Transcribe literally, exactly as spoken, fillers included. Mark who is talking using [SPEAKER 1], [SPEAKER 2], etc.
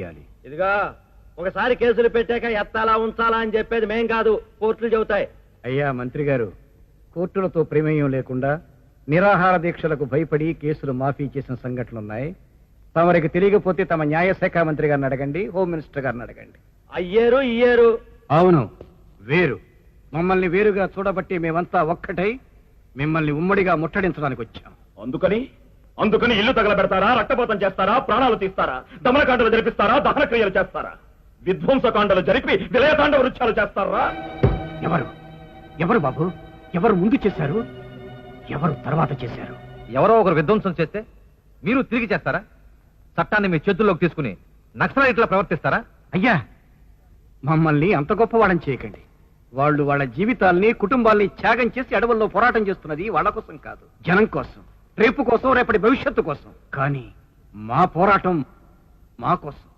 [SPEAKER 1] ఇదిగా ఒకసారి కేసులు పెట్టాక ఎత్తాలా ఉంచాలా అని చెప్పేది మేం కాదు, కోర్టులు చెబుతాయి.
[SPEAKER 2] అయ్యా మంత్రి గారు, కోర్టులతో ప్రమేయం లేకుండా నిరాహార దీక్షలకు భయపడి కేసులు మాఫీ చేసిన సంఘటనలున్నాయి. తమరికి తెలియకపోతే తమ న్యాయశాఖ మంత్రి గారిని అడగండి, హోమ్ మినిస్టర్ గారిని అడగండి.
[SPEAKER 1] అయ్యేరు ఇయ్యేరు.
[SPEAKER 2] అవును, వేరు. మమ్మల్ని వేరుగా చూడబట్టి మేమంతా ఒక్కటై మిమ్మల్ని ఉమ్మడిగా ముట్టడించడానికి వచ్చాం.
[SPEAKER 3] అందుకని అందుకని ఇల్లు తగలబెడతారా, రక్తపాతం చేస్తారా, ప్రాణాలు తీస్తారా, దమనకాండలు జరిపిస్తారా, దహన క్రియలు చేస్తారా, విధ్వంసకాండలు జరిపి విలయతాండ వృక్షాలు చేస్తారా?
[SPEAKER 2] ఎవరు ఎవరు బాబు? ఎవరు ముందు చేశారు, ఎవరు తర్వాత చేశారు?
[SPEAKER 4] ఎవరో ఒకరు విధ్వంసం చేస్తే మీరు తిరిగి చేస్తారా? చట్టాన్ని మీ చేతుల్లోకి తీసుకుని నక్సలైట్లా ప్రవర్తిస్తారా?
[SPEAKER 2] అయ్యా, మమ్మల్ని అంత గొప్పవాడని చేయకండి. వాళ్ళు వాళ్ళ జీవితాల్ని, కుటుంబాల్ని త్యాగం చేసి అడవుల్లో పోరాటం చేస్తున్నది వాళ్ళ కోసం కాదు, జనం కోసం, రేపు కోసం, రేపటి భవిష్యత్తు కోసం. కానీ మా పోరాటం మా కోసం.